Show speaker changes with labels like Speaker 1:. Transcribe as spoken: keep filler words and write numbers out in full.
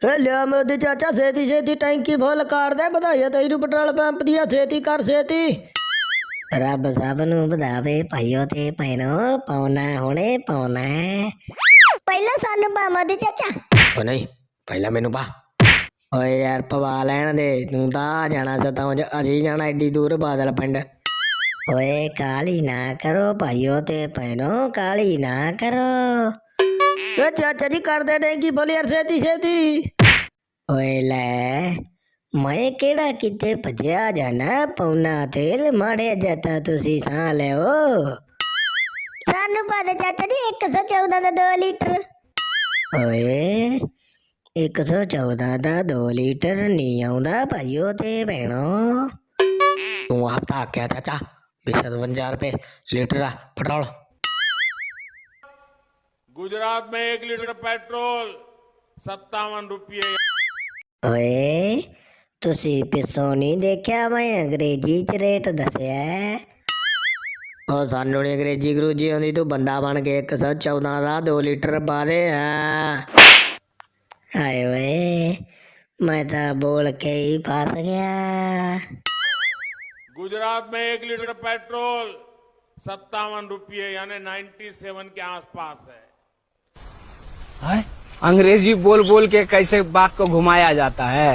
Speaker 1: ए लिया मोदी चाचा छेती छेती टैंकी फुल कर दे बधाइया तेरू पेट्रोल पंप दिया छेती कर छेती।
Speaker 2: ਰੱਬ ਸਭ ਨੂੰ ਵਧਾਵੇ ਭਾਈਓ ਤੇ ਭੈਣੋ ਪਾਉਣਾ ਹੁਣੇ ਪਾਉਣਾ ਪਹਿਲਾਂ ਸਾਨੂੰ ਪਾ ਮੋਦੀ ਚਾਚਾ।
Speaker 1: ओ नहीं पहला मैनू पा। ओए यार पवा लैन दे तू तां आ जाना सताऊं च असी जाना एड्डी दूर बादल पिंड।
Speaker 2: ਓਏ ਕਾਲੀ ਨਾ ਕਰੋ ਭਾਈਓ ਤੇ ਭੈਣੋ ਕਾਲੀ ਨਾ ਕਰੋ।
Speaker 1: ए चाचा जी कर दे टैंकी फुल यार छेती छेती।
Speaker 2: ਓਏ ਲੈ ਮੈਂ ਕਿਹੜਾ ਕਿਤੇ ਭੱਜਿਆ ਜਾਣਾ ਪੌਣਾ ਤੇਲ ਮਾੜੇ ਜੱਤਾ ਤੁਸੀਂ ਸਾਹ ਲਿਓ। ਸਾਨੂੰ ਪਾ ਦੇ ਚਾਚਾ ਜੀ ਇੱਕ ਸੌ ਚੌਦਾਂ ਦਾ ਦੋ ਲੀਟਰ। ਓਏ ਇੱਕ ਸੌ ਚੌਦਾਂ ਦਾ ਦੋ ਲੀਟਰ ਨਹੀਂ ਆਉਂਦਾ ਭਾਈਓ ਤੇ ਭੈਣੋ।
Speaker 1: तू हफ्ता क्या चाचा बीस सतवंजा रुपए लीटर पेट्रोल।
Speaker 3: गुजरात में एक लीटर पेट्रोल सत्तावन रुपये।
Speaker 2: ਓਏ ਤੁਸੀਂ ਪਿੱਛੋਂ ਨਹੀਂ ਦੇਖਿਆ ਮੈਂ ਅੰਗਰੇਜ਼ੀ ਚ ਰੇਟ ਦੱਸਿਆ।
Speaker 1: ओ सानू नी अंग्रेजी अंग्रूजी आंदी तू बंदा बन के एक सौ चौदह का दो लीटर पा दे। हाँ
Speaker 2: ਹਾਏ ਓਏ ਮੈਂ ਤਾਂ ਬੋਲ ਕੇ ਹੀ ਫਸ ਗਿਆ।
Speaker 3: गुजरात में एक लीटर पेट्रोल सत्तावन रुपये यानी नाइन्टी सेवन के आसपास है।
Speaker 4: अंग्रेजी बोल बोल के कैसे बात को घुमाया जाता है।